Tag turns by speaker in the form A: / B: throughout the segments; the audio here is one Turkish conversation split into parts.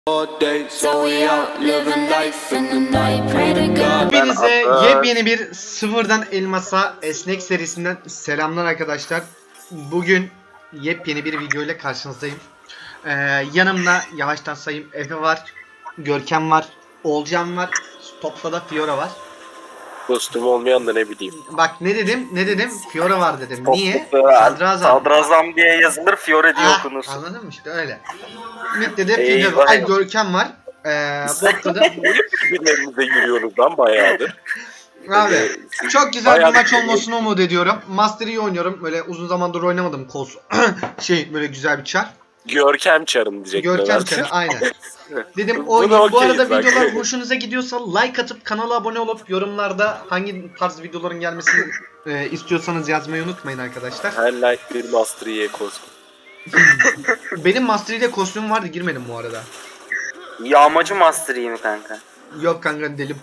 A: Hepinize yepyeni bir Sıfırdan Elmas'a Esnek serisinden selamlar arkadaşlar. Bugün yepyeni bir video ile karşınızdayım. Yanımda yavaştan sayayım Efe var, Görkem var, Olcan var, topta da Fiora var.
B: Kostüm olmayan da ne bileyim.
A: Bak ne dedim? Fiora var dedim. Niye?
C: Sadrazam diye yazılır, Fiore diye okunur.
A: Anladın mı işte öyle. Mid'de de
C: Eyvah.
A: Fiora, ay Görkem var. Botta da
B: Birbirlerimize yürüyoruz lan bayağıdır.
A: abi çok güzel bir
B: Bayağı
A: maç
B: bir-
A: olmasını umut ediyorum. Master iyi oynuyorum. Böyle uzun zamandır oynamadım kos. Böyle güzel bir çar.
B: Görkem çarım diyecektim.
A: Görkem çarı aynen. Dedim
B: Buna
A: oynayayım. Bu
B: okeyiz
A: arada
B: bak.
A: videolar hoşunuza gidiyorsa like atıp kanala abone olup yorumlarda hangi tarz videoların gelmesini istiyorsanız yazmayı unutmayın arkadaşlar.
B: Her like bir Master Yi kostüm.
A: Benim Master ile kostümüm vardı, girmedim bu arada.
C: Yağmacı Master iyi mi kanka?
A: Yok kanka delim.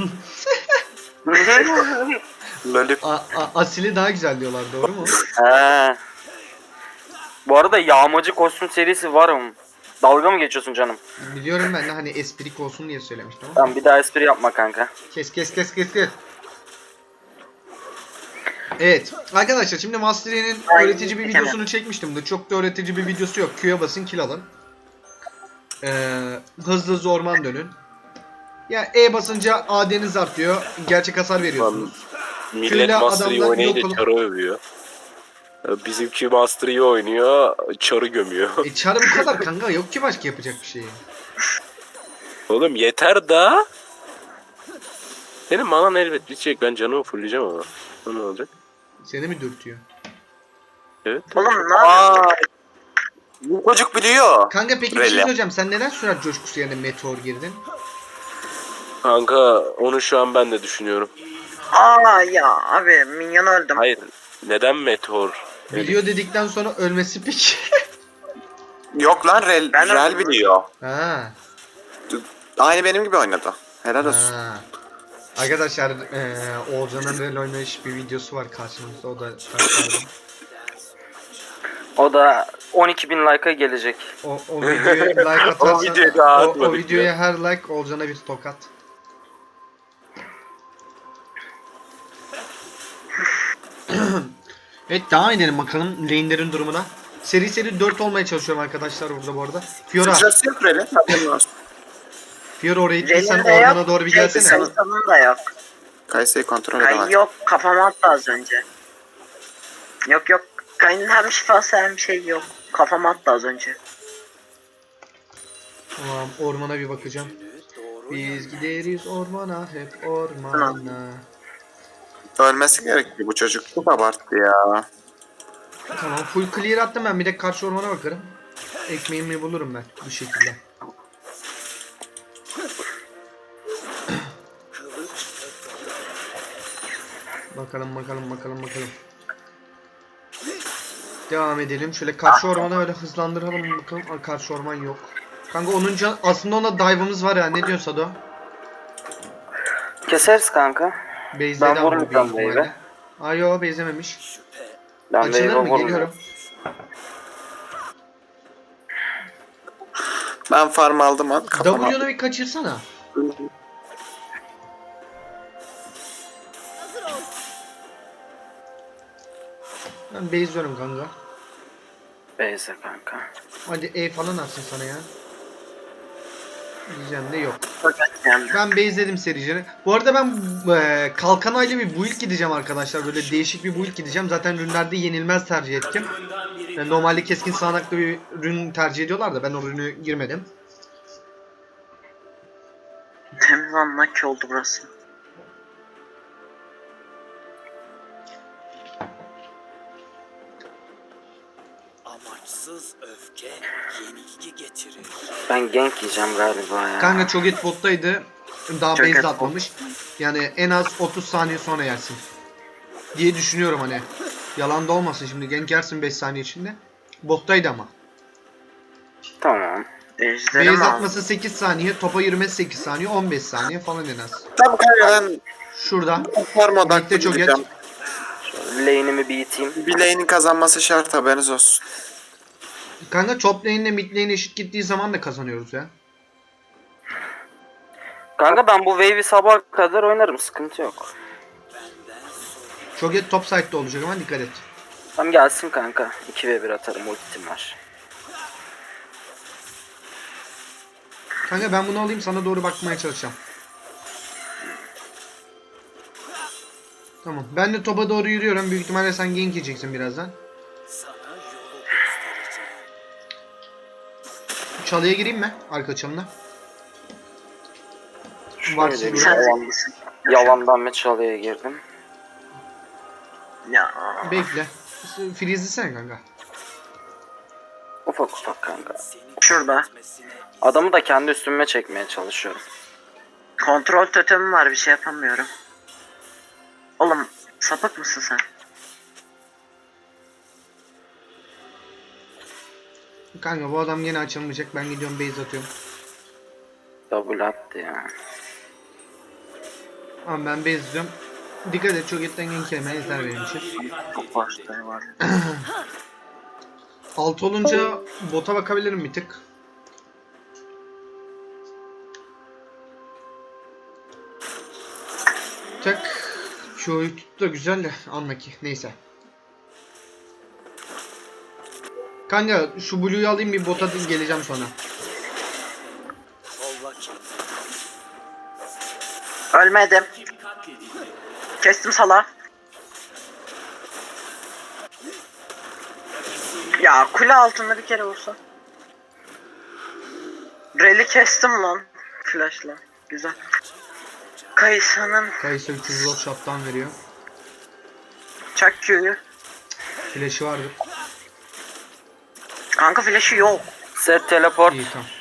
B: Lolip.
A: Asili daha güzel diyorlar, doğru mu?
C: He. Bu arada yağmacı kostüm serisi var mı? Dalga mı geçiyorsun canım?
A: Biliyorum, ben de hani esprik olsun diye söylemiştim ama.
C: Tamam, bir daha espri yapma kanka.
A: Kes. Evet arkadaşlar, şimdi Master Yi'nin öğretici bir videosunu çekmiştim de çok da öğretici bir videosu yok. Q'ya basın, kill alın. Hızlı orman dönün. Ya E basınca AD'niz artıyor. Gerçek hasar veriyorsunuz.
B: Millet
A: Köyde
B: Master Yi
A: adamlar
B: oynayınca
A: yok olup-
B: çarı övüyor. Bizimki Master Yi oynuyor, çarı gömüyor.
A: Çarı bu kadar kanka, yok ki başka yapacak bir şey.
B: Oğlum yeter da. Senin manan elbet bitecek, ben canımı fulleyeceğim ama. Ne olacak?
A: Seni mi dürtüyor?
B: Evet.
C: Oğlum ne yapıyorsun?
D: Bu çocuk biliyor.
A: Kanka peki bir şey
D: Böyle.
A: söyleyeceğim. Sen neden sürat coşkusu yerine meteor girdin?
B: Kanka onu şu an ben de düşünüyorum.
E: Ya abi minyon öldüm.
B: Hayır. Neden meteor?
A: Biliyor dedikten sonra ölmesi peki.
D: Yok lan
E: Ben de-
D: Rel biliyor.
A: Ha.
D: Aynı benim gibi oynadı. Helal olsun.
A: Ha. Arkadaşlar Oğuzhan'ın rol oynayış bir videosu var karşımızda, o da
C: O da 12.000 like'a gelecek.
A: o videoya like atarsan
B: O videoyu daha
A: o
B: atmadık
A: videoya her like Oğuzhan'a bir tokat. Evet, devam edelim bakalım lane'lerin durumuna. Seri 4 olmaya çalışıyorum arkadaşlar burada bu arada. Fiora
D: Sıçrası yok Rel'in. Haberin olsun.
A: oraya gittiysen
E: Rel'in de
A: ormana
E: yok,
A: doğru bir
E: şey,
A: gelsene.
E: Kayısal'ın da yok.
D: Kayse'yi kontrol
E: Kay
D: edemez.
E: yok, kafama attı az önce. Yok, Kay'ın hem şifası hem şey yok. Kafama attı az önce.
A: Tamam, ormana bir bakacağım. Biz gideriz ormana, hep ormana.
D: Ölmesi gerekiyor bu çocuk. Çok abarttı ya.
A: Tamam, full clear attım ben, bir de karşı ormana bakarım. Ekmeğimi bulurum ben bu şekilde. Bakalım. Devam edelim. Şöyle karşı ormana öyle hızlandıralım bakalım. Aa, karşı orman yok. Kanka aslında ona dive'ımız var ya. Ne diyorsun Sado?
C: Keseriz kanka.
A: Base'de
C: Ben
A: de
C: vururum
A: ama
C: ben
A: büyük
C: wave'e.
A: ihtimalle. Ay yo, base'lememiş.
C: Ben
A: Açılır
C: wave'e
A: mı?
C: vurmuyorum.
A: Geliyorum.
D: Ben farm aldım an kafama.
A: W'nu bir kaçırsana. Ben base'liyorum kanka.
C: Beyse kanka.
A: Hadi E falan atsın sana ya. Diyeceğim de yok.
E: Fakat geldi.
A: Ben base'ledim sericini. Bu arada ben kalkanayla bir build gideceğim arkadaşlar. Böyle değişik bir build gideceğim. Zaten rünlerde yenilmez tercih ettim. Yani normalde keskin sağanaklı bir rün tercih ediyorlar da ben o rünü girmedim.
E: Temiz anlaki oldu burası.
F: Amaçsız öfke yenilgi getirir.
C: Ben gank yiyeceğim galiba ya.
A: Kanka Cho'Gath bottaydı. Daha
E: Cho'Gath
A: base'de
E: bot.
A: atmamış. Yani en az 30 saniye sonra yersin. Diye düşünüyorum hani. Yalan da olmasın, şimdi gank yersin 5 saniye içinde. Bottaydı ama.
C: Tamam.
E: Ejderi mi
A: Base
E: aldın?
A: atması 8 saniye, topa yürümesi 8 saniye, 15 saniye falan en az.
D: Tamam kanka ben
A: Şurada.
D: farm odaklı
A: Birlikte çok
D: gideceğim.
C: Lane'imi bir iteyim.
D: Bir lane'in kazanması şart, haberiniz olsun.
A: Kanka top lane ile mid lane eşit gittiği zaman da kazanıyoruz ya.
C: Kanka ben bu wave'i sabaha kadar oynarım, sıkıntı yok.
A: Çok et top side'da olacak ama dikkat et.
C: Tam gelsin kanka. 2v1 atarım, ultim var.
A: Kanka ben bunu alayım, sana doğru bakmaya çalışacağım. Tamam. Ben de topa doğru yürüyorum. Büyük ihtimalle sen gank yiyeceksin birazdan.
F: Sana yolu göstereceğim.
A: Çalıya gireyim mi? Arka çalına.
C: Şöyle
A: Varsın
C: bir
E: Sen
A: burada.
E: zenginsin.
C: yalandan bir çalıya girdim.
E: Ya.
A: Bekle. Freeze'lisene kanka.
C: Ufak ufak kanka.
F: Senin
E: Şurada.
F: gitmesine
C: Adamı da kendi üstüme çekmeye çalışıyorum.
E: Kontrol totemim var, bir şey yapamıyorum. Oğlum sapık mısın sen?
A: Kanka bu adam yine açılmayacak. Ben gidiyorum base atıyorum.
C: Double attı ya.
A: Ama ben base atıyorum. Dikkat et, çok etten gank yemeye izler benim için.
E: Çok başları var.
A: Alt olunca bota bakabilirim bir tık. Tak. Şu oyun da güzel de anla ki. Neyse. Kanka şu Blue'yu alayım, bir bota geleceğim sonra.
F: kolla ki.
E: Ölmedim. Kestim sala. Ya kule altında bir kere olsa. Reli kestim lan. Flash'la. Güzel. Kayısının
A: Kayısı 300 gold shot'tan veriyor.
E: çak Q'yu.
A: Flash'ı vardı.
E: Kanka flash'ı yok.
C: Set teleport.
A: İyi tamam.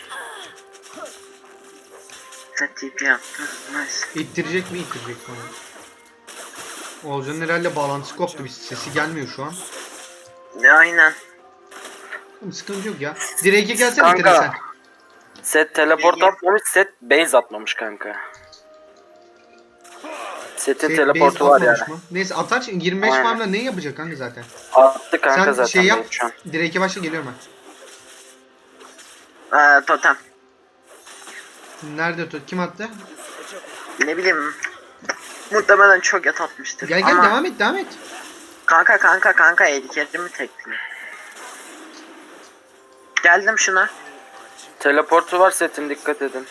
E: Set TP yaptı. Nice.
A: İttirecek mi? İttirecek bana. Oğuzhan'ın herhalde bağlantısı koptu. Bir sesi gelmiyor şu an.
E: Aynen.
A: Sıkıntı yok ya. Direk'e gelsene
C: Kanka.
A: Tere sen.
C: Set teleport atmamış, set base atmamış kanka. Setin
A: Şey,
C: teleportu
A: base
C: var
A: atmamış
C: yani.
A: mı? Neyse atar, 25
C: Aynen.
A: farmla ne yapacak kanka zaten?
C: Attı kanka
A: Sen
C: zaten
A: şey yap.
C: base şu an.
A: Direk'e başla, geliyorum ben.
E: Totem.
A: Nerede tut? Kim attı?
E: Ne bileyim. Muhtemelen çok yat atmıştır.
A: Gel gel,
E: Ama
A: devam et devam et.
E: kanka eliklerimi tekli. Geldim şuna.
C: Teleportu var setin, dikkat edin.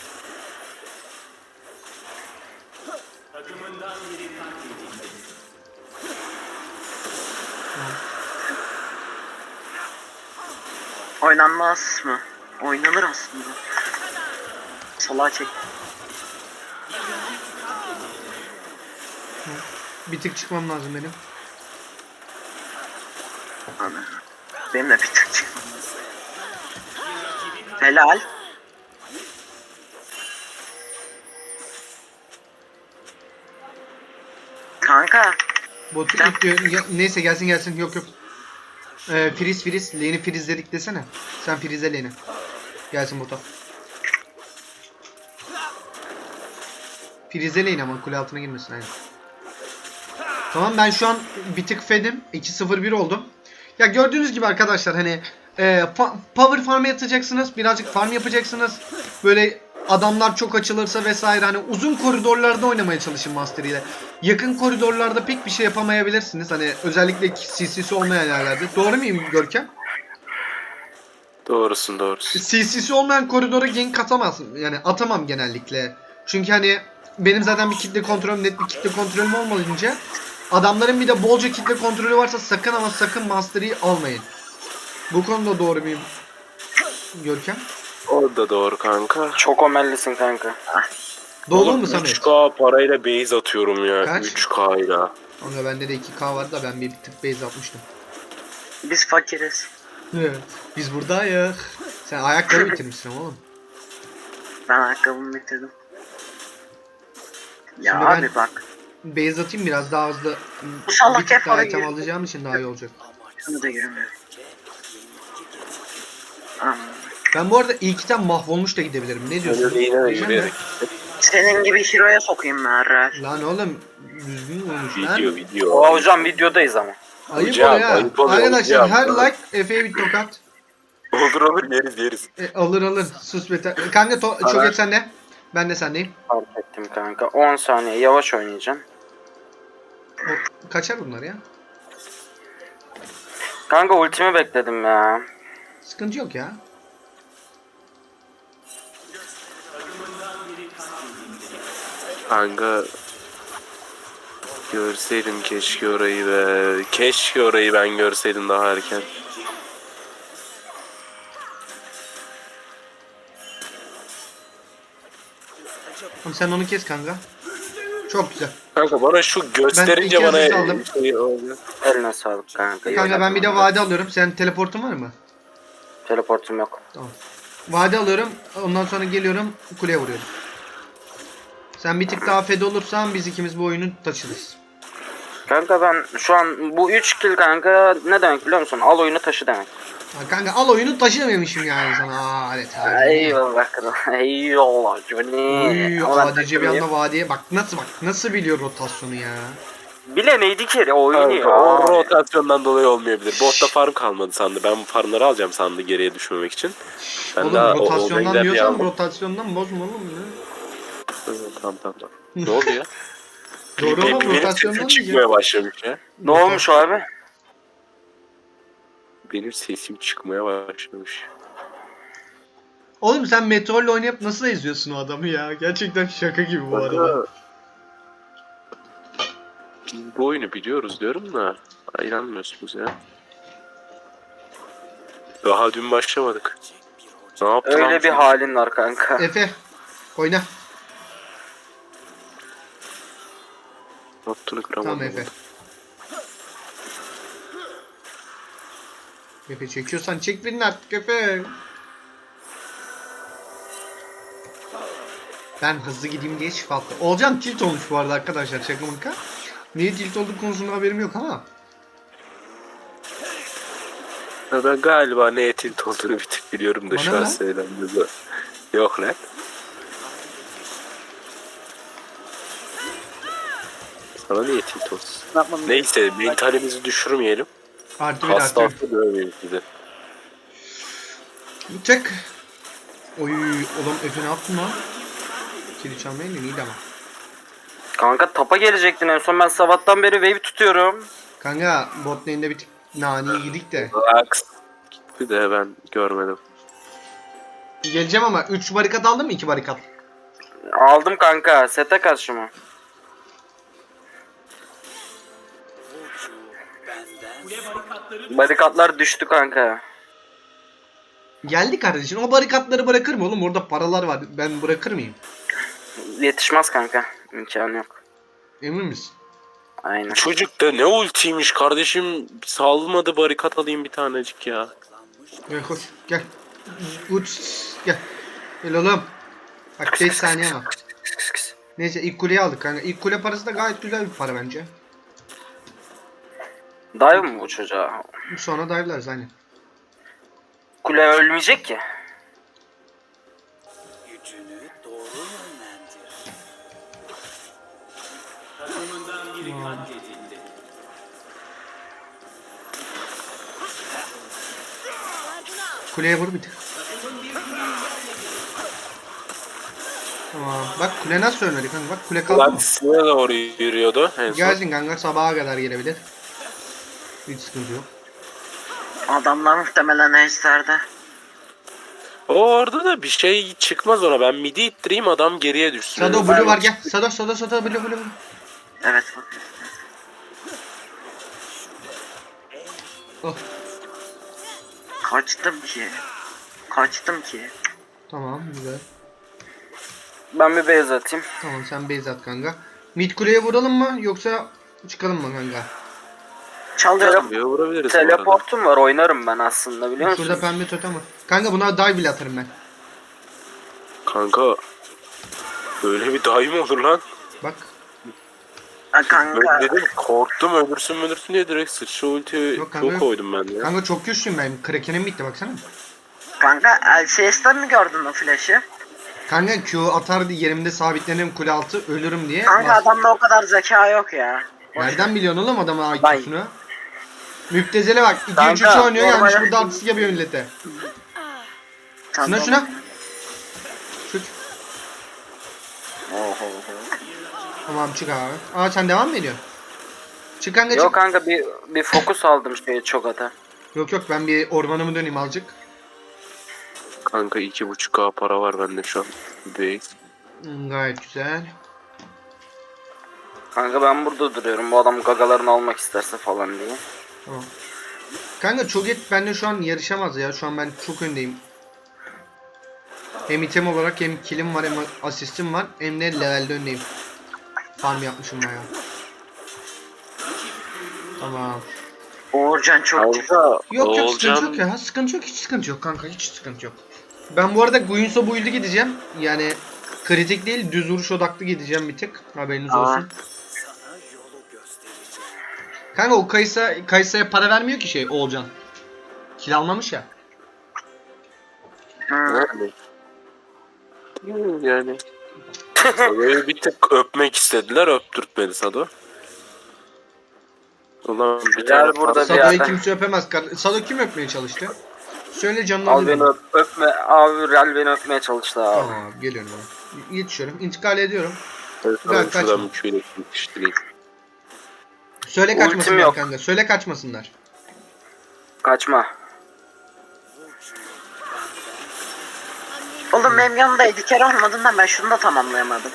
E: Oynanmaz mı? Oynanır aslında. Salağa çek.
A: Bir tık çıkmam lazım benim.
E: Ana. Benim de bir tık çıkmam. Helal. Kanka.
A: Botu
E: Gel.
A: itiyor. Neyse gelsin gelsin. Yok yok. Freeze. Lane'i freezeledik desene. Sen freeze lane'i. Gelsin bota. Freeze lane ama kule altına girmesin aynen. Tamam, ben şu an bir tık fedim. 2-0-1 oldum. Ya gördüğünüz gibi arkadaşlar hani power farm yatacaksınız. Birazcık farm yapacaksınız. Böyle adamlar çok açılırsa vesaire, hani uzun koridorlarda oynamaya çalışın Master ile. Yakın koridorlarda pek bir şey yapamayabilirsiniz. Hani özellikle CC'si olmayan yerlerde. Doğru muyum Görkem?
B: Doğrusun.
A: CC'si olmayan koridora gank atamazsın. Yani atamam genellikle. Çünkü hani benim zaten bir kitle kontrolüm, net bir kitle kontrolüm olmayınca, adamların bir de bolca kitle kontrolü varsa sakın ama sakın Master'ı almayın. Bu konuda doğru muyum Görkem?
B: O da doğru kanka.
C: Çok omellisin kanka.
A: Doğru
B: Oğlum,
A: mu Samet?
B: 3K parayla base atıyorum ya.
A: Kaç?
B: 3K ile.
A: Ama bende de 2K vardı da ben bir tık base atmıştım.
E: Biz fakiriz.
A: Biz buradayız. Sen ayakları bitirmişsin oğlum.
E: Ben ayakkabımı bitirdim. Ya
A: Şimdi
E: abi
A: ben-
E: bak.
A: Base atayım biraz daha hızlı.
E: Bu salak
A: Bir tık
E: hep
A: daha
E: oraya
A: item
E: yürü.
A: alacağım için daha iyi olacak.
E: Şunu da yürümüyor. Aman.
A: Ben bu arada ilk item mahvolmuş da gidebilirim. Ne diyorsun?
B: Öyle yine de
A: Diyeceğim
B: yürüyerek.
E: Senin gibi hero'ya sokayım ben Ralph.
A: Lan oğlum düzgün konuş lan.
B: Video.
C: O hocam videodayız ama.
A: Ayıp
B: Hocam,
A: o ya.
B: ayıp oluyor
A: Arkadaşlar
B: hocam.
A: her like Efe'ye bir tokat.
B: Olur yeriz.
A: Alır. Sus beter. Kanka çok et sende. Ben de sendeyim.
C: Fark ettim kanka. 10 saniye yavaş oynayacağım.
A: Kaçar bunlar ya.
C: Kanka ultimi bekledim ya.
A: Sıkıntı yok ya.
B: Kanka görseydim keşke orayı be. Keşke orayı ben görseydim daha erken.
A: Tamam, sen onu kes kanka. Çok güzel.
B: Kanka bana şu gösterince
A: Ben
B: bana
A: iki asist aldım.
B: şey oluyor.
C: Eline sağlık kanka.
A: Kanka ben bir de vade alıyorum. Senin teleportun var mı?
C: Teleportum yok.
A: Tamam. Vade alıyorum. Ondan sonra geliyorum. Kuleye vuruyorum. Sen bir tık daha fed olursan biz ikimiz bu oyunu taşırız.
C: Kanka ben şu an bu 3 kill kanka ne demek biliyor musun? Al oyunu taşı demek.
A: Ha, kanka al oyunu taşımamışım yani sana. Aa, evet.
C: Eyvallah kral. Eyvallah Johnny.
A: Uy,
C: Ama ben
A: ADC bir
C: takılmayayım.
A: anda vadeye bak nasıl biliyor rotasyonu ya.
C: Bile neydi ki oyunu
B: Kanka,
C: ya.
B: o rotasyondan dolayı olmayabilir. Botta farm kalmadı sandı. Ben farmları alacağım sandı geriye düşmemek için. Ben
A: Oğlum
B: daha
A: rotasyondan
B: gider diye
A: diyorsan
B: aldım.
A: rotasyondan bozma oğlum ya.
B: Tamam. Ne oldu ya?
A: Doğru
B: Benim
A: oğlum
B: sesim
A: rotasyondan
B: çıkmaya
A: diyeceğim.
B: başlamış ya.
C: Ne olmuş abi?
B: Benim sesim çıkmaya başlamış.
A: Oğlum sen Meteor'la oynayıp nasıl izliyorsun o adamı ya? Gerçekten şaka gibi bu arada.
B: Biz bu oyunu biliyoruz diyorum da inanmıyorsunuz ya. Daha dün başlamadık. Ne yaptın
C: Öyle
B: abi
C: bir
B: sen?
C: halin var kanka.
A: Efe oyna.
B: Ne yaptığını kıramadım.
A: Tamam Efe. Efe çekiyorsan çek birini artık Efe. Ben hızlı gideyim diye şifa attım. Olcan tilt olmuş bu arada arkadaşlar şaka maka. Niye tilt olduğu konusunda haberim yok ama.
B: Ya ben galiba ne tilt olduğunu bir tık biliyorum da
A: Bana
B: şu an
A: ne?
B: söylenmedi. Yok lan. Sana niye tilt olsun? Neyse mentalimizi düşürmeyelim.
A: Artı bir
B: Hasta
A: artı
B: hasta dövmeyelim bizi.
A: bir. Çek. Oy oğlum Efe ne yaptın lan? Kili çalmayın da iyiydi ama.
C: Kanka tapa gelecektin en son ben sabahtan beri wave tutuyorum.
A: Kanka bot lane'de bir tık nani yedik de.
B: Relax. Gitti de ben görmedim.
A: Geleceğim ama 3 barikat aldın mı 2 barikat?
C: Aldım kanka sete karşı mı?
F: Burcu benden
C: Barikatlar düştü kanka.
A: Geldi kardeşim o barikatları bırakır mı oğlum orada paralar var ben bırakır mıyım?
C: Yetişmez kanka. İmkanı yok.
A: Emin misin?
C: Aynen.
B: Çocuk da ne ultiymiş kardeşim. Salmadı barikat alayım bir tanecik ya.
A: Gel koş gel. Uç gel. Gel oğlum. Bak 5 saniye ama. Neyse ilk kuleyi aldık kanka. İlk kule parası da gayet güzel bir para bence.
C: Dive mı bu çocuğa?
A: Sonra dive'larız aynen.
C: Kule ölmeyecek ki.
F: gücünü doğru yönlendir. Takımından biri katledildi.
A: Kuleye vur bir tık. Tamam. Bak kule nasıl ölmedi kanka. Bak kule kaldı mı?
B: Ultisine doğru yürüyordu en son.
A: Gelsin kanka sabaha kadar gelebilir. Hiç sıkıntı yok.
E: Adamlar muhtemelen ejderде.
B: O orada da bir şey çıkmaz ona. Ben midi ittireyim adam geriye düşsün.
A: Sado blue var gel. Sado blue.
E: Evet.
A: Oh.
E: Kaçtım ki.
A: Tamam güzel.
C: Ben bir base atayım.
A: Tamam sen base at kanka. Mid kuleye vuralım mı yoksa çıkalım mı kanka?
E: Çalıyorum.
B: Bir vurabiliriz bu arada.
C: Teleportum var oynarım ben aslında biliyor musun?
A: Şurada pembe totem var. Kanka buna dive bile atarım ben.
B: Kanka. Böyle bir dahi mi olur lan?
A: Bak.
E: Kanka.
B: Ben dedim korktum öldürsün diye direkt sıçra ulti
A: Yok kanka,
B: çok
A: yok.
B: koydum ben ya.
A: Kanka çok güçlüyüm ben. Kraken'im bitti baksana.
E: Kanka LCS'ten mi gördün o flash'ı?
A: Kanka Q atar diye yerimde sabitlenirim kule altı ölürüm diye.
E: Kanka adamda o kadar zeka yok ya.
A: Nereden biliyorsun oğlum adamın
E: Vay.
A: IQ'sunu? Müptezele bak. 2-3-3
C: Kanka,
A: oynuyor gelmiş
E: normal-
A: burada artist yapıyor millete.
E: Tamam.
A: Şuna. Şut.
C: Oho.
A: Tamam çık abi. Aa sen devam mı ediyorsun? Çık kanka çık.
C: Yok kanka bir fokus aldım şeye çok ata.
A: Yok ben bir ormanımı döneyim azıcık.
B: Kanka 2.5K para var bende şu an. Base.
A: Gayet güzel.
C: Kanka ben burada duruyorum. Bu adam gagalarını almak isterse falan diye.
A: Tamam. Kanka Cho'Gath bende şu an yarışamaz ya. Şu an ben çok öndeyim. Hem item olarak hem killim var hem asistim var. Hem de levelde öndeyim. Farm yapmışım bayağı. Tamam.
E: Uğurcan çok
B: Kanka
A: Yok sıkıntı
B: Oğulcan
A: yok ya. Sıkıntı yok, hiç sıkıntı yok kanka, hiç sıkıntı yok. Ben bu arada Guinsoo build'i gideceğim. Yani kritik değil, düz vuruş odaklı gideceğim bir tık. Haberiniz
E: Aa.
A: olsun. Kanka o Kayısa'ya para vermiyor ki şey Oğulcan. Kil almamış ya.
B: yani. Yani. Sado'yu bir tık öpmek istediler, öptürtmedi Sado. Ulan bir
C: Gel
B: tane
C: burada bir
A: Sado'yu
C: yerde.
A: kimse öpemez. Sado kim öpmeye çalıştı? Söyle canını
C: Al beni
A: alayım.
C: öpme. Abi Real beni öpmeye çalıştı abi.
A: Tamam abi, geliyorum abi. Yetişiyorum. İntikal ediyorum.
B: Evet,
A: Güzel,
B: tamam, şuradan
A: kaçma.
B: bir şöyle yetiştireyim.
A: Söyle
C: Ultim
A: kaçmasınlar
C: yok.
A: kanka. Söyle kaçmasınlar.
C: Kaçma.
E: Oğlum benim yanımdaydı. Kere olmadığından ben şunu da tamamlayamadım.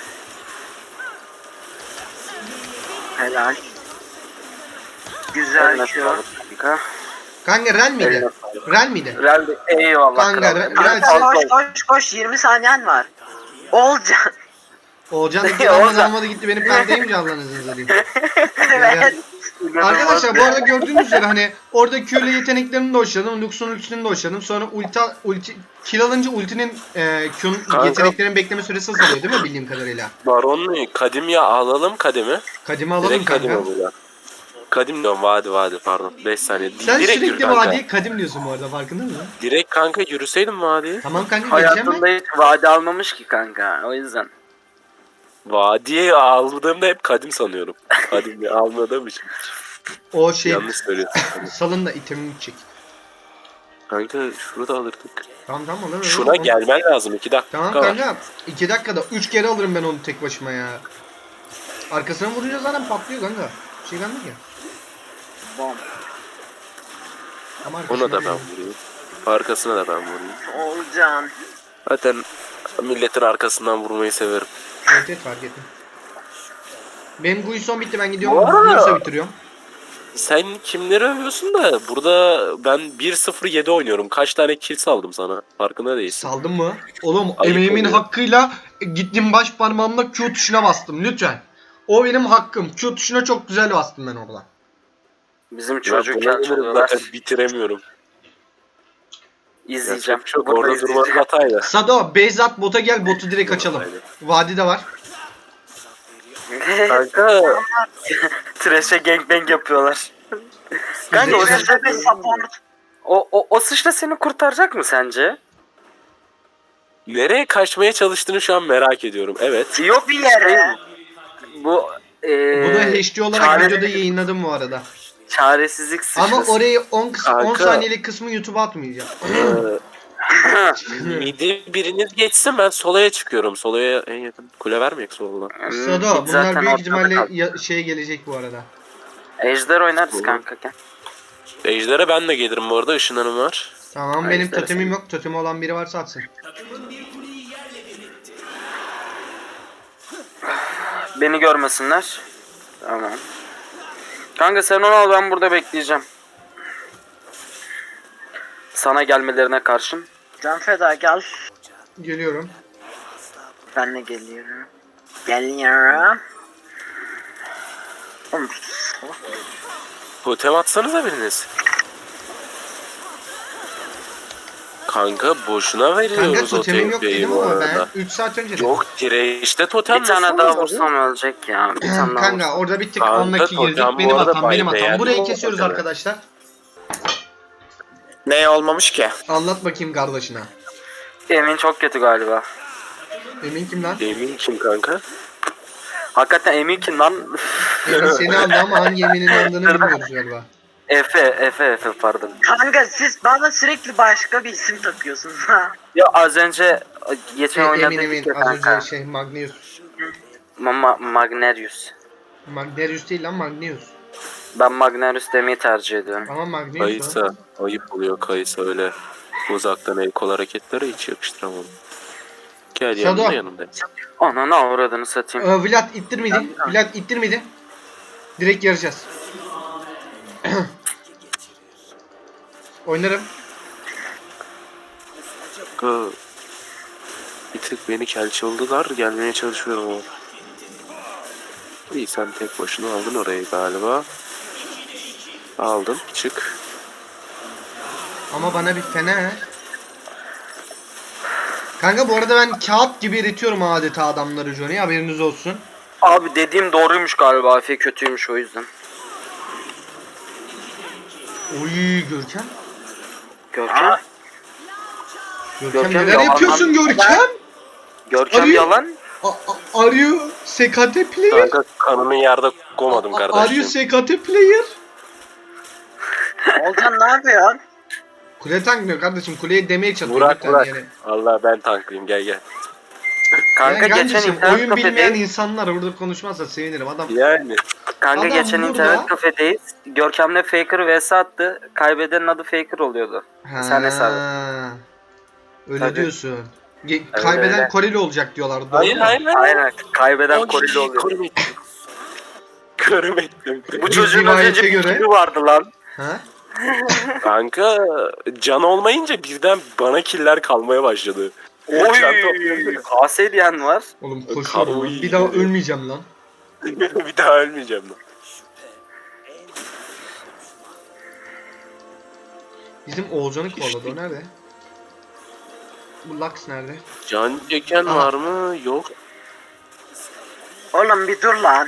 E: Helal. Güzel
C: Eline
E: şu.
C: sağlık kanka.
A: Kanka Ren miydi?
C: Eline sağlık.
A: Ren miydi?
C: Real eyvallah
A: Kanka,
C: kral.
A: Real-
E: Kanka koş 20 saniyen var. Olcan.
A: Oğulcan da
C: Oğulcan.
A: almadı gitti benim perdeyim mi Allah'ınızı satayım.
E: Evet.
A: Arkadaşlar bu arada gördüğünüz üzere hani orada Q'le yeteneklerini de hoşladım. Lux'un ultisini de hoşladım. Sonra ulti kill alınca ultinin Q'nun
B: Kanka.
A: yeteneklerin bekleme süresi azalıyor değil mi bildiğim kadarıyla?
B: Baron'u Kadim'e alalım Kadim'i.
A: Kadimi alalım
B: Direkt
A: kanka.
B: Kadim'e burada. Kadim diyorum vadi pardon 5 saniye.
A: Sen
B: Direkt yürü
A: sürekli
B: kanka.
A: vadiye kadim diyorsun bu arada, farkında mısın?
B: Direkt kanka yürüseydim vadiye.
A: Tamam kanka geleceğim
C: Hayatında
A: ben.
C: hiç vade almamış ki kanka. O yüzden.
B: Vadiye aldığımda hep Kadim sanıyorum. Kadim'i almadığım için.
A: O şey
B: Yanlış söylüyorsun.
A: salın da itemini çek.
B: Kanka şurada alırdık.
A: Tamam alırım.
B: Şuna gelmen lazım 2 dakika.
A: Tamam
B: var.
A: kanka 2 dakikada 3 kere alırım ben onu tek başıma ya. Arkasına vurunca zaten patlıyor kanka. Bir şey kalmıyor ki.
E: Bom.
A: Ama arkasına
B: Ona da ben
A: vurayım.
B: vurayım. Arkasına da ben vurayım.
E: Olcan.
B: Zaten milletin arkasından vurmayı severim.
A: Evet fark ettim. Benim Guinsoo bitti, ben gidiyorum.
B: Bu arada-
A: Guinsoo bitiriyorum.
B: Sen kimleri övüyorsun da burada ben 1-0-7 oynuyorum. Kaç tane kill saldım sana? Farkında değilsin.
A: Saldın mı? Oğlum
B: Ayıp
A: emeğimin
B: oluyor.
A: hakkıyla gittim baş parmağımla Q tuşuna bastım lütfen. O benim hakkım. Q tuşuna çok güzel bastım ben orada.
C: Bizim
B: Ya
C: çocukken
B: buna göre
C: çalıyorlar.
B: zaten bitiremiyorum.
C: İzleyeceğim.
B: Çok
C: Burada
B: orada durmanın
C: izleyeceğim.
B: hataydı.
A: Sado, base at, bota gel, botu direkt açalım. Vadi de var.
B: Kanka
C: Trash'e gangbang yapıyorlar. Kanka o
A: İzleyeceğim.
C: sıçra,
E: Tepe support.
C: o sıçra seni kurtaracak mı sence?
B: nereye kaçmaya çalıştığını şu an merak ediyorum. Evet.
C: Yok
E: Bir yere.
C: Bu
A: Bunu HD olarak
C: çare-
A: videoda yayınladım bu arada.
C: çaresizlik sıçrası.
A: Ama orayı 10
B: Kanka.
A: saniyelik kısmı YouTube'a atmayacağım.
B: Midi biriniz geçsin ben solaya çıkıyorum. Solaya en yakın kule vermeyek soluna.
A: Sado bunlar
C: Zaten
A: büyük
C: ortada
A: ihtimalle
C: kaldı.
A: şey gelecek bu arada.
C: Ejder oynarız
B: Olur.
C: kanka gel.
B: Ejder'e ben de gelirim bu arada, ışınlarım var.
A: Tamam
C: Ay,
A: benim
C: istersen.
A: totemim yok. Totemi olan biri varsa atsın.
C: Beni görmesinler. Tamam. Kanka sen onu al, ben burada bekleyeceğim. Sana gelmelerine karşın.
E: Can feda gel.
A: Geliyorum.
E: Ben de geliyorum. Geliyorum. Oğlum,
B: Totem atsanıza biriniz. Kanka boşuna
A: Kanka
B: veriyoruz o
A: totemim yok
B: TP'yi
A: dedim
B: bu
A: ama ben
B: arada.
A: 3 saat önce dedim.
B: Yok direğiste totem
C: Bir tane
B: nasıl
C: daha
B: olur?
C: vursam ölecek ya. Bir tane daha
A: Kanka
C: vursam.
A: orada bir tık
B: Kanka,
A: unlucky girdik.
B: totem bu
A: Benim
B: arada
A: hatam, benim
B: bay
A: hatam.
B: beğendim
A: Burayı
B: o
A: kesiyoruz
B: totemi.
A: arkadaşlar.
D: Ne olmamış ki?
A: Anlat bakayım kardeşine.
C: Emin çok kötü galiba.
A: Emin kim lan?
B: Emin kim kanka?
C: Hakikaten Emin kim lan?
A: Emin seni aldı ama hangi Emin'in aldığını bilmiyoruz galiba.
C: Efe pardon.
E: kanka siz bana sürekli başka bir isim takıyorsunuz ha.
C: Ya az önce geçen
A: Emin
C: oynadık
A: Emin
C: ya
A: az
C: kanka.
A: önce şey Magnus.
C: Magnerius.
A: Magnerius değil lan, Magneus.
C: Ben Magnerius demeyi tercih ediyorum.
A: Ama Magneus o.
B: Kayısa. Ayıp oluyor Kayısa öyle. Uzaktan el kol hareketlere hiç yakıştıramam. Gel
A: Shadow.
B: yanımda yanımda.
C: Ananı avradını satayım.
A: Vlad ittirmedi. Vlad ittirmedi. Direkt yarayacağız. Oynarım.
B: Kanka, bir tık beni kelçoldular. Gelmeye çalışıyorum ama. İyi sen tek başına aldın orayı galiba. Aldın. Çık.
A: Ama bana bir fener. Kanka bu arada ben kağıt gibi eritiyorum adeta adamları Johnny, haberiniz olsun.
C: Abi dediğim doğruymuş galiba. Efe kötüymüş o yüzden.
A: Oy Görkem.
C: Görkem.
A: Görkem
C: Görkem
A: neler
C: yalan
A: yapıyorsun
C: lan.
A: Görkem?
C: Görkem
A: Arıyor.
C: yalan.
A: Are you SKT player?
B: Kanka kanını yerde koymadım
A: Are you
B: kardeşim.
A: SKT player?
E: Olcan ne yapıyorsun?
A: Kule tankmıyor kardeşim, kuleye demeye çalışıyor.
B: Burak
A: lütfen
B: Burak.
A: yani.
B: Allah ben tanklayayım gel gel.
C: Kanka
A: Yani
C: geçen
A: kardeşim,
C: internet
A: oyun bilmeyen
C: kafedeyiz.
A: insanlar burada konuşmazsa sevinirim adam.
B: Yani.
C: Kanka
A: Adam
C: geçen
A: burada.
C: internet kafedeyiz. Görkem'le Faker vs attı. Kaybedenin adı Faker oluyordu. Sen hesabı.
A: Öyle
C: Tabii.
A: diyorsun.
C: Öyle,
A: Kaybeden
C: öyle.
A: Koreli olacak diyorlar. Doğru
B: Hayır
A: mu?
B: hayır hayır.
C: Aynen. Kaybeden
B: Ay,
C: Koreli oluyor.
B: Körüm ettim. Körüm ettim.
C: Bu çocuğun az
A: rivayete
C: önce bir
A: göre-
C: kili vardı lan.
A: Ha?
B: Kanka can olmayınca birden bana killer kalmaya başladı.
C: Oy.
B: Can topluyorum.
C: KS diyen var.
A: Oğlum koşuyorum
B: Oy.
A: lan. Bir daha ölmeyeceğim lan.
B: Bir daha ölmeyeceğim lan.
A: Bizim Oğuzhan'ı kovaladı, o nerede? Bu Lux nerede?
B: Can çeken
A: Aha.
B: var mı? Yok.
E: Oğlum bir dur lan.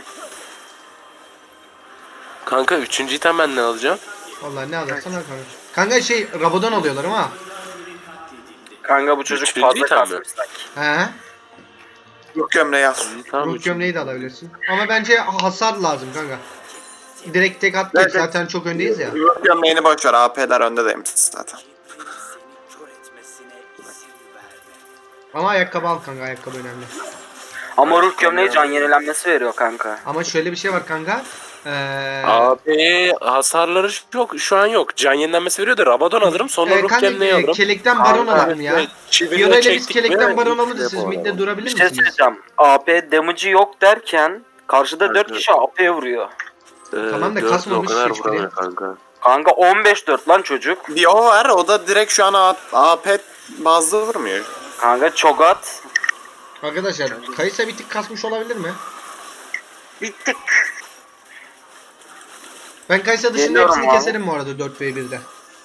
B: Kanka 3. item ben ne alacağım?
A: Vallahi ne alırsan al kanka. Kanka şey Rabadon alıyorlar ama.
C: Kanka bu çocuk
B: Üçüncü
C: fazla
B: item mi?
C: kasmış sanki.
A: He.
D: Yok gömleği al.
B: Tamam,
A: Ruh
B: 3.
A: gömleği de alabilirsin. Ama bence hasar lazım kanka. Direkt tek at geç,
D: Evet.
A: zaten çok öndeyiz ya.
D: Yok gömleğini boş ver. AP'ler önde demiş zaten.
F: kör etmesine izin verme.
A: Ama ayakkabı al kanka, ayakkabı önemli.
C: Ama ruh gömleği can yenilenmesi veriyor kanka.
A: Ama şöyle bir şey var kanka.
B: Abi hasarları yok şu an yok. Can yenilenmesi veriyor da Rabadon alırım sonra ruh
A: kanka
B: gemleği alırım.
A: kelekten baron alalım ya.
B: Çivili
A: Yara ile biz
B: çektik
A: kelekten
B: mi,
A: baron
B: hiç
A: alırız, siz
B: yapamam.
A: midde durabilir
C: Bir şey
A: misiniz?
C: söyleyeceğim. AP damage'ı yok derken karşıda 4
B: Evet.
C: kişi AP'ye vuruyor.
A: Tamam da
B: dört
A: kasmamış
B: o kadar
A: hiçbiri.
B: vuramıyor kanka.
C: Kanka 15-4 lan çocuk.
D: Bir o var. O da direkt şu an AP bazlı vurmuyor.
C: Kanka çogat.
A: Arkadaşlar Kayısa bir tık kasmış olabilir mi?
E: Bittik.
A: Ben Kayısa dışında
C: Geliyorum
A: hepsini
C: abi.
A: keserim bu arada 4v1'de.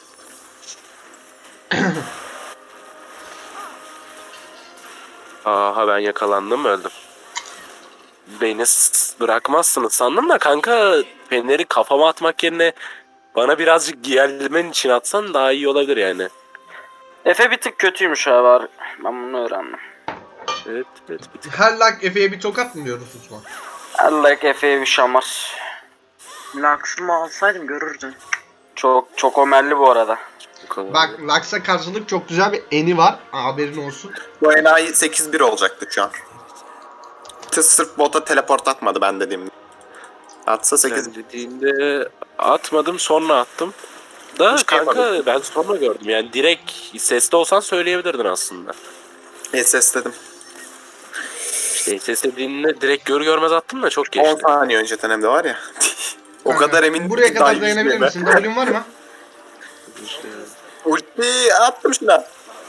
B: Aha ben yakalandım öldüm. Beni bırakmazsınız sandım da kanka feneri kafama atmak yerine bana birazcık giyerlemen için atsan daha iyi olabilir yani.
C: Efe bir tık kötüymüş abi. Ben bunu öğrendim.
B: Evet evet bir tık.
A: Her lak Efe'ye bir tokat mı diyoruz Osman?
C: Allah Efe'ye bir şamar.
E: Lux'ımı alsaydım görürdün.
C: Çok omelli bu arada.
A: Bak Lux'a karşılık çok güzel bir eni var. Haberin olsun.
D: Bu enayi 8-1 olacaktı şu an. Sırf bota teleport atmadı ben dediğimde. Atsa 8
B: Sen dediğinde atmadım sonra attım. Da
D: Hiç
B: kanka
D: yapmadım.
B: ben sonra gördüm yani direkt sesli olsan söyleyebilirdin aslında.
D: SS dedim.
B: İşte ses dediğinde direkt görmez attım da çok
D: 10
B: geçti.
D: saniye önceden hem de var ya. O
A: Kanka,
D: kadar emin
A: Buraya kadar
D: dahi
A: dayanabilir
D: yüzmeme.
A: misin? W'un var mı?
B: İşte,
D: Ulti attım şuna.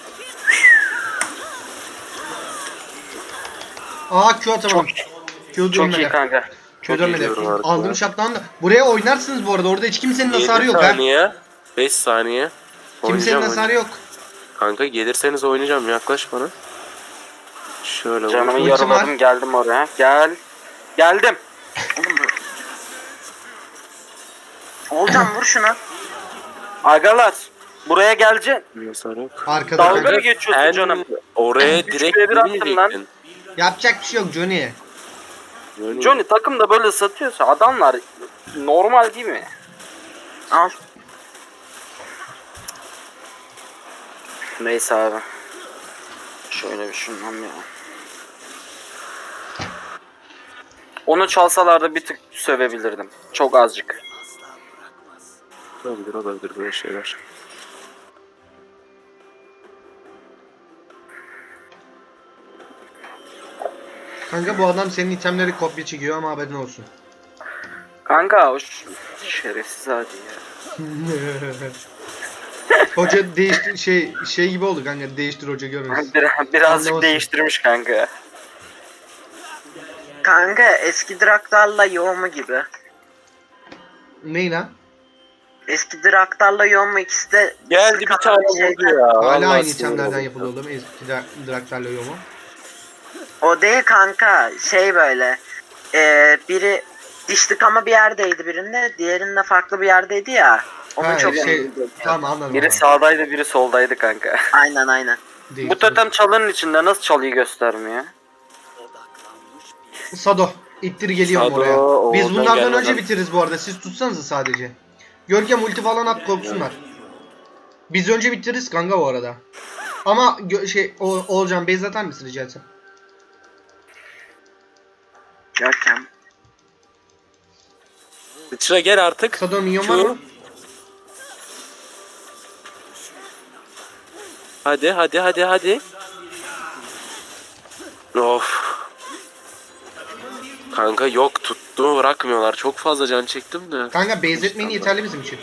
A: Q atamadım. Q
C: Çok iyi
A: dönmedi.
C: kanka.
A: Q
C: Çok iyi
A: dönmedi.
B: diyorum artık
A: Aldım
B: ya.
A: şaptan da. Buraya oynarsınız bu arada. Orada hiç kimsenin
B: 7
A: hasarı yok ha.
B: saniye, 5 saniye.
A: Kimsenin
B: Oynayacağım,
A: hasarı yok.
B: Kanka gelirseniz oynayacağım yaklaş bana. Şöyle vur.
C: Canımı
A: Ultim
C: yaraladım
A: var.
C: geldim oraya. Gel. Geldim.
E: Oğlum Olcan vur şunu.
C: Agalar. Buraya geleceksin.
B: Hasar yok.
A: Arkada
C: Dalga
A: kanka.
C: mı geçiyorsun
B: En
C: canım?
B: oraya
C: Üç
B: direkt
C: ve bir attım
B: girmeyecektin.
A: Yapacak bir şey yok Johnny.
B: Böyle-
C: Johnny takımda böyle satıyorsa adamlar normal değil mi?
E: Al.
C: Neyse abi. Şöyle bir şundan ya. Onu çalsalardı bir tık sövebilirdim. Çok azıcık.
B: Olabilir böyle şeyler.
A: Kanka bu adam senin itemleri kopya çekiyor ama haberin olsun.
C: Kanka o şerefsiz hadi ya.
A: Hoca değişti şey gibi oldu kanka, değiştir hoca görürüz.
C: Birazcık
A: Anlamasın.
C: değiştirmiş kanka.
E: Kanka eski Draktar'la Yoğma gibi.
A: Ney lan?
E: Eski Draktar'la Yoğma ikisi de
B: Geldi bir tane vurdu ya.
A: Hala
B: Vallahi
A: aynı
B: sinir
A: itemlerden
B: oldum.
A: yapılıyor oğlum. Eski Draktar'la yomu.
E: O değil kanka, şey böyle. Biri diş tıkama bir yerdeydi birinde, diğerinde farklı bir yerdeydi ya. Onun
A: Ha,
E: çok
A: tamam anladım.
C: Biri
A: Biri
C: sağdaydı, biri soldaydı kanka.
E: Aynen.
C: Bu totem çalının içinde nasıl çalıyı göstermiyor?
A: Sado ittir geliyorum
B: Sado,
A: oraya. Biz
B: oradan
A: bunlardan
B: gelmeden-
A: önce bitiririz bu arada. Siz tutsanız sadece. Görkem ulti falan at, korksunlar. Biz önce bitiririz kanka bu arada. Ama Oğulcan base atar mısın rica etsem?
E: Görkem.
B: Sıçra gel artık.
A: Sado minyon var mı?
B: Hadi. Of. Kanka yok tuttu bırakmıyorlar. Çok fazla can çektim de.
A: Kanka base etmeyin yeterli bizim için.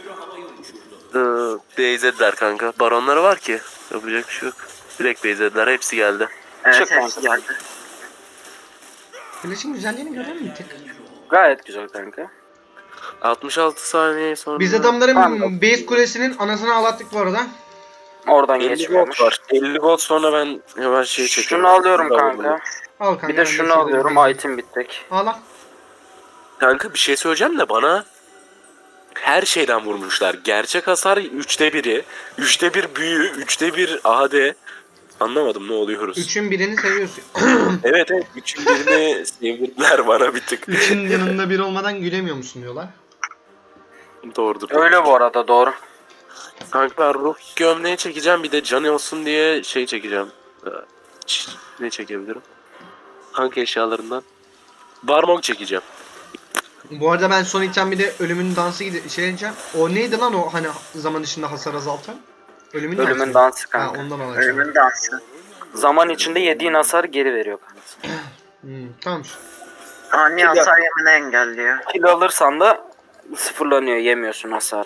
B: Beyzediler kanka. Baronları var ki. Yapacak bir şey yok. Direkt beyzediler. Hepsi geldi.
E: Evet,
C: Çık
E: hepsi
C: kanka.
E: geldi.
A: Flash'in güzelliğini görüyor musun bir tek?
C: Gayet güzel kanka.
B: 66 saniye sonra.
A: Biz adamların
C: Tamam.
A: base kulesinin anasını ağlattık bu arada.
C: Oradan
B: 50
C: geçmiyormuş.
B: gold var. 50 gold sonra ben hemen şey çekiyorum.
C: Şunu alıyorum kanka.
A: Al kanka.
C: Bir
A: ben
C: de şunu
A: size
C: alıyorum.
A: vereyim.
C: Item bittik.
A: Al al.
B: Kanka bir şey söyleyeceğim de bana her şeyden vurmuşlar. Gerçek hasar 3'te 1'i, 3'te 1 büyü, 3'te 1 AD. Anlamadım ne oluyoruz.
A: Üçün birini seviyorsun.
B: Evet 3'ün birini sevdirdiler bana bir tık.
A: Üçün yanında biri olmadan gülemiyor musun diyorlar.
B: Doğrudur.
C: Öyle bu arada doğru.
B: Kanka ruh gömleği çekeceğim bir de can olsun diye şey çekeceğim. Ne çekebilirim? Kanka eşyalarından. Barmok çekeceğim.
A: Bu arada ben son item bir de ölümün dansı şey edeceğim. O neydi lan o hani zaman içinde hasar azaltan? Ölümün dansı.
C: Ölümün
A: mı?
C: dansı
A: Ha
C: kanka.
A: ondan alacağım.
E: Ölümün dansı.
C: Zaman içinde yediğin hasar geri veriyor kanka.
A: Tamam.
E: Ani hasar yemini engelliyor.
C: Kill alırsan da sıfırlanıyor. Yemiyorsun hasarı.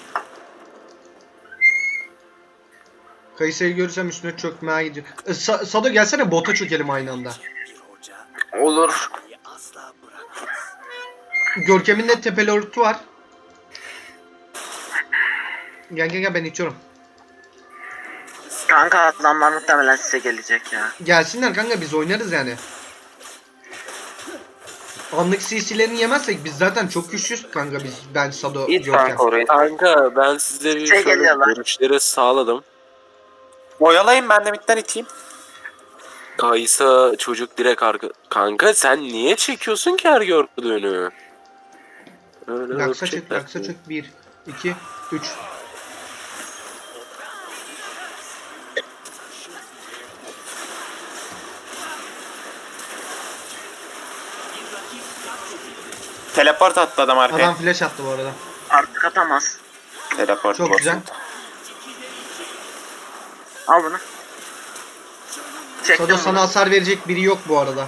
A: Kayısı'yı görürsem üstüne çökmeye gidiyor. Sado gelsene bota çökelim aynı anda.
F: Bir hoca
C: Olur.
F: asla bırakmaz.
A: Görkem'in de tepeli örtü var. Gel ben içiyorum.
E: Kanka adamlar muhtemelen size gelecek ya.
A: Gelsinler kanka biz oynarız yani. Anlık CC'lerini yemezsek biz zaten çok güçlüyüz kanka ben Sado
C: İt
A: Görkem.
C: kanka orayı.
B: Kanka ben size bir
E: Şey
B: şöyle
E: geliyorlar.
B: görüşleri sağladım.
D: Oyalayın ben de midden iteyim.
B: Kaysa çocuk direkt arka... Kanka sen niye çekiyorsun ki her gördüğünü? Öyle
A: Laksa çök
B: öpecekler.
A: laksa çök 1 2 3.
D: Teleport attı adam arkaya.
A: Adam flash attı bu arada.
E: Artık atamaz.
D: Teleport
A: Çok
D: boss.
A: güzel.
E: Al bunu. Çektim
A: Sado sana
E: bunu.
A: hasar verecek biri yok bu arada.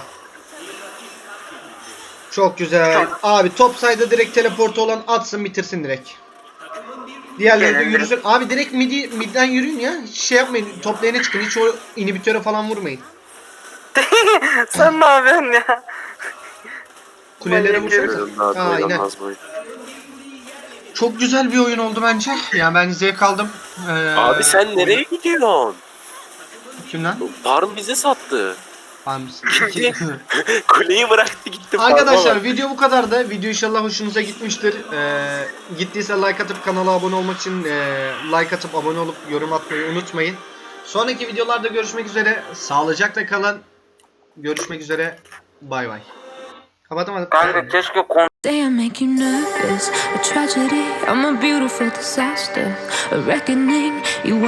A: Çok güzel.
E: Çok.
A: Abi top sayda direkt teleportu olan atsın bitirsin direkt. Diğerleri de
E: Gelelim.
A: yürüsün. Abi direkt midden yürüyün ya. Hiç şey yapmayın. Top lane'e çıkın. Hiç o inhibitöre falan vurmayın.
C: Sen ne yapıyorsun ya?
A: Kulelere
C: Manyak herif.
A: vursanız.
B: Daha
A: Aynen.
B: oynanmaz bu.
A: Çok güzel bir oyun oldu bence. Yani ben zevk aldım.
B: Abi sen nereye gidiyorsun?
A: Kimden?
B: Farm bize sattı.
A: Gitti.
B: Kuleyi bıraktı gitti.
A: Arkadaşlar
B: farma bak.
A: video bu kadardı. Video inşallah hoşunuza gitmiştir. Gittiyse like atıp kanala abone olmak için like atıp abone olup yorum atmayı unutmayın. Sonraki videolarda görüşmek üzere. Sağlıcakla kalın. Görüşmek üzere. Bay bay. Kapatamadım.
C: Kanka keşke
G: Say I make you nervous, a tragedy, I'm a beautiful disaster, a reckoning. You